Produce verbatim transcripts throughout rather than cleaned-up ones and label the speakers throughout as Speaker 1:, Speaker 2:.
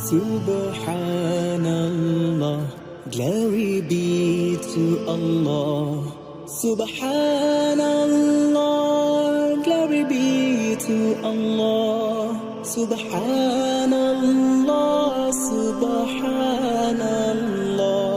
Speaker 1: Subhanallah, glory be to Allah. Subhanallah, glory be to Allah. Subhanallah, Subhanallah,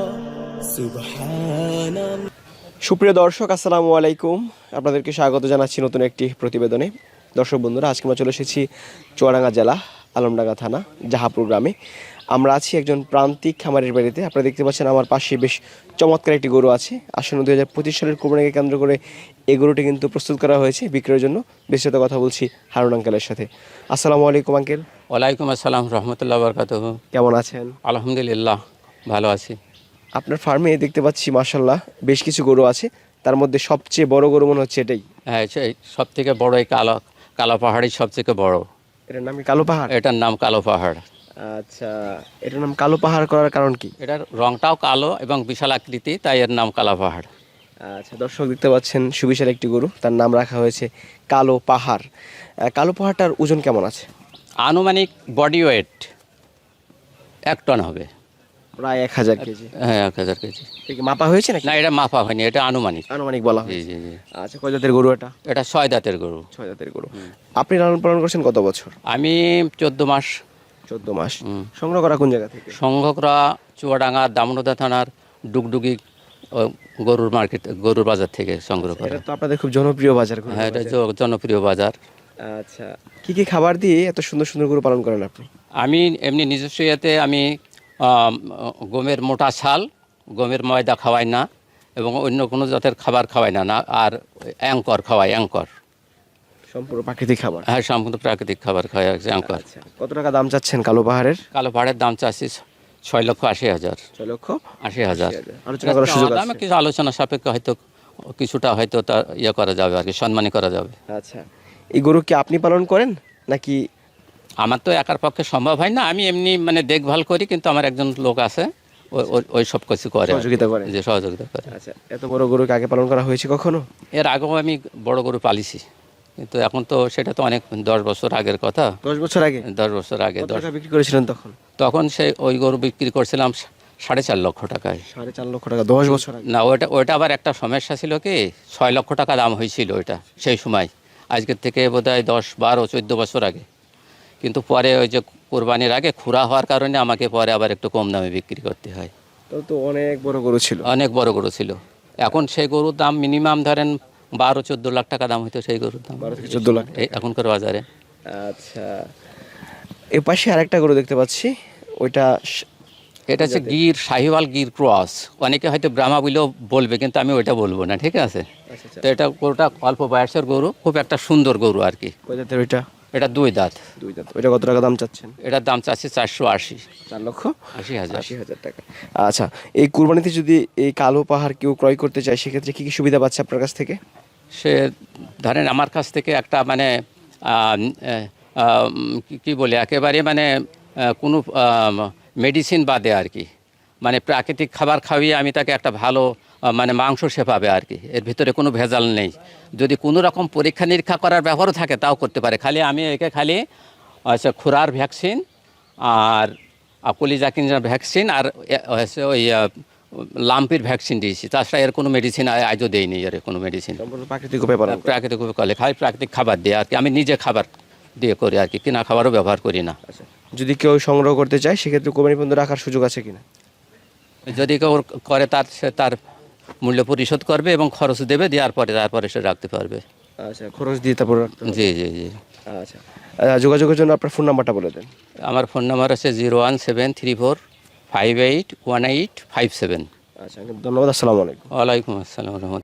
Speaker 1: Subhanallah.
Speaker 2: সুপ্রিয় দর্শক, আসসালামু আলাইকুম। আপনাদেরকে স্বাগত জানাচ্ছি নতুন একটি প্রতিবেদনে। দর্শক বন্ধুরা, আজকে আমরা চলে এসেছি চুয়াডাঙ্গা জেলা আলমডাঙ্গা থানা জাহাপুর গ্রামে। আমরা আছি একজন প্রান্তিক খামারের বাড়িতে। আপনারা দেখতে পাচ্ছেন আমার পাশে বেশ চমৎকার একটি গরু আছে। আসন্ন দুই হাজার পঁচিশ সালের কোরবানিকে কেন্দ্র করে এই গরুটি কিন্তু প্রস্তুত করা হয়েছে বিক্রয়ের জন্য। বিস্তারিত কথা বলছি হারুন আঙ্কেলের সাথে। আসসালামু আলাইকুম আঙ্কেল।
Speaker 3: ওয়ালাইকুম আসসালাম রহমতুল্লাহ বরকাতুহু।
Speaker 2: কেমন আছেন?
Speaker 3: আলহামদুলিল্লাহ, ভালো আছি।
Speaker 2: আপনার ফার্মে দেখতে পাচ্ছি মাশাআল্লাহ বেশ কিছু গরু আছে, তার মধ্যে সবচেয়ে বড় গরু মনে হচ্ছে এটাই।
Speaker 3: হ্যাঁ, সেই সব থেকে বড় এই কালো কালো পাহাড়ই সবথেকে বড়।
Speaker 2: এটার নাম কি কালো পাহাড়?
Speaker 3: এটার নাম কালো পাহাড়।
Speaker 2: আচ্ছা, এটার নাম কালো পাহাড় করার কারণ কি?
Speaker 3: এটার রংটাও কালো এবং বিশাল আকৃতি, তাই এর নাম কালো পাহাড়।
Speaker 2: আচ্ছা, দর্শক দেখতে পাচ্ছেন সুবিশাল একটি গরু, তার নাম রাখা হয়েছে কালো পাহাড়। আহ, কালো পাহাড়টার ওজন কেমন আছে?
Speaker 3: আনুমানিক বডি ওয়েট এক টন হবে।
Speaker 2: প্রায় এক হাজার কেজি।
Speaker 3: হ্যাঁ, এক হাজার কেজি।
Speaker 2: এটা কি মাপা হয়েছে নাকি?
Speaker 3: না, এটা মাপা হয়নি, এটা আনুমানিক।
Speaker 2: আনুমানিক বলা
Speaker 3: জি
Speaker 2: হয়েছে।
Speaker 3: জি জি।
Speaker 2: আচ্ছা, কয় জাতের গরু এটা?
Speaker 3: এটা ছয় দাঁতের গরু।
Speaker 2: ছয় জাতের গরু। আপনি লালন পালন করছেন কত বছর?
Speaker 3: আমি চোদ্দ মাস।
Speaker 2: চোদ্দ মাস।
Speaker 3: হুম।
Speaker 2: সংগ্রহ করা কোন জায়গা থেকে?
Speaker 3: সংঘকরা চুয়াডাঙ্গা দামোদর থানার ডুগডুগি ও, গরুর মার্কেট, গরুর বাজার থেকে সংগ্রহ করা।
Speaker 2: এটা তো আপনাদের খুব জনপ্রিয় বাজার। গরুর
Speaker 3: হ্যাঁ, এটা
Speaker 2: বাজার।
Speaker 3: জ- জনপ্রিয় বাজার।
Speaker 2: আচ্ছা, কি কি খাবার দিয়ে এত সুন্দর সুন্দর গরু পালন করেন আপনি?
Speaker 3: আমি এমনি নিজস্ব ইয়েতে আমি আম, গমের মোটা ছাল, গমের ময়দা খাওয়াই না এবং অন্য কোনো জাতের খাবার খাওয়াই না না আর অ্যাঙ্কর খাওয়াই, অ্যাঙ্কর।
Speaker 2: সম্পূর্ণ প্রাকৃতিক খাবার।
Speaker 3: হ্যাঁ, সম্পূর্ণ প্রাকৃতিক খাবার খাওয়াই, অ্যাঙ্কর।
Speaker 2: আচ্ছা, কত টাকা দাম চাচ্ছেন কালো পাহাড়ের?
Speaker 3: কালো পাহাড়ের দাম চাচ্ছি ছয় লক্ষ আশি হাজার।
Speaker 2: ছয় লক্ষ
Speaker 3: আশি হাজার।
Speaker 2: আলোচনা করার সুযোগ আছে?
Speaker 3: দামে কিছু আলোচনা সাপেক্ষে হয়তো কিছুটা হয়তো তা ইয়ে করা যাবে আর কি, সম্মানী করা যাবে।
Speaker 2: আচ্ছা, এই গরু কি আপনি পালন করেন নাকি?
Speaker 3: আমার তো একার পক্ষে সম্ভব হয় না, আমি এমনি মানে দেখভাল করি, কিন্তু আমার একজন লোক আছে ওই- ওই- ওই সব কিছু করে,
Speaker 2: সহযোগিতা করে?
Speaker 3: যে সহযোগিতা করে।
Speaker 2: আচ্ছা, এত বড় গরুকে আগে পালন করা হয়েছে কখনো?
Speaker 3: এর আগেও আমি বড় গরু পালিছি, কিন্তু এখন তো সেটা তো অনেক দশ বছর আগের কথা।
Speaker 2: দশ বছর আগে?
Speaker 3: দশ বছর আগে
Speaker 2: কত
Speaker 3: দশ
Speaker 2: টাকা বিক্রি করেছিলেন তখন?
Speaker 3: তখন সেই ওই গরু বিক্রি করছিলাম সা- সাড়ে চার লক্ষ টাকায়।
Speaker 2: সাড়ে চার লক্ষ টাকা দশ বছর আগে?
Speaker 3: না, ওইটা ওইটা আবার একটা সমস্যা ছিল কি, ছয় লক্ষ টাকা দাম হয়েছিল ওইটা সেই সময়, আজকের থেকে বোধহয় দশ বারো চোদ্দো বছর আগে। কিন্তু পরে ওই যে কোরবানির আগে খুরা হওয়ার কারণে আমাকে পরে আবার একটু কম দামে বিক্রি করতে হয়।
Speaker 2: তো তো অনেক বড় গরু ছিল।
Speaker 3: অনেক বড় গরু ছিল। এখন সেই গরুর দাম মিনিমাম ধরেন বারো চোদ্দো লাখ টাকা দাম হইতো সেই গরুর দাম,
Speaker 2: বারো থেকে চোদ্দ লাখ
Speaker 3: এই এখনকার বাজারে।
Speaker 2: আচ্ছা, এ পাশে আরেকটা গরু দেখতে পাচ্ছি, ওইটা স-
Speaker 3: এটা হচ্ছে গির শাহিওয়াল গির ক্রস। অনেকে হয়তো ব্রাহ্মা বলেও বলবে, কিন্তু আমি ওইটা বলবো না, ঠিক আছে?
Speaker 2: আচ্ছা আচ্ছা,
Speaker 3: তো এটা গরুটা অল্প বয়সের গরু, খুব একটা সুন্দর গরু আর কি।
Speaker 2: কয় জাতের ওইটা?
Speaker 3: এটা দুই দাঁত।
Speaker 2: দুই দাঁত। ওইটা কত টাকা দাম চাচ্ছেন?
Speaker 3: এটার দাম চাচ্ছি চারশো আশি
Speaker 2: চার লক্ষ
Speaker 3: আশি হাজার।
Speaker 2: আশি হাজার টাকা। আচ্ছা, এই কুরবানিতে যদি এই কালো পাহাড় কেউ ক্রয় করতে চায়, সেক্ষেত্রে কি কি সুবিধা পাচ্ছে আপনার কাছ থেকে?
Speaker 3: সে ধরেন আমার কাছ থেকে একটা মানে আম, এ, আম, কি- কি বলে একেবারে মানে আহ, কোনো মেডিসিন বাদে আর কি, মানে প্রাকৃতিক খাবার খাওয়িয়ে আমি তাকে একটা ভালো আহ, মানে মাংস সে পাবে আর কি। এর ভিতরে কোনো ভেজাল নেই। যদি কোনো রকম পরীক্ষা নিরীক্ষা করার ব্যাপারও থাকে তাও করতে পারে। খালি আমি একে খালি আচ্ছা খুরার ভ্যাকসিন আর কলিজা কিনজার ভ্যাকসিন আর এ- হচ্ছে ওই আহ, লাম্পির ভ্যাকসিন দিয়েছি। তাছাড়া এর কোনো মেডিসিন আজও দেয়নি, এর কোনো মেডিসিন।
Speaker 2: সম্পূর্ণ প্রাকৃতিক উপায় পালন করেন?
Speaker 3: প্রাকৃতিক কলে খাই, প্রাকৃতিক খাবার দিয়ে আর কি। আমি নিজে খাবার দিয়ে করি আর কি, কিনা খাবারও ব্যবহার করি না।
Speaker 2: আচ্ছা, যদি কেউ সংগ্রহ করতে চায় সেক্ষেত্রে কোরবানি পর্যন্ত রাখার সুযোগ আছে কিনা?
Speaker 3: যদি কেউ করে তার সে তার মূল্য পরিশোধ করবে এবং খরচ দেবে, দেওয়ার পরে তারপরে সে রাখতে পারবে।
Speaker 2: আচ্ছা, খরচ দিয়ে তারপর রাখতে হবে।
Speaker 3: জি জি জি।
Speaker 2: আচ্ছা, আহ, যোগাযোগের জন্য আপনার ফোন নাম্বারটা বলে দেন।
Speaker 3: আমার ফোন নাম্বার আছে zero one seven three four five eight one eight five seven.
Speaker 2: আচ্ছা, ধন্যবাদ। আসসালামু আলাইকুম।
Speaker 3: ওয়ালাইকুম আসসালাম রহমতুল্লাহ।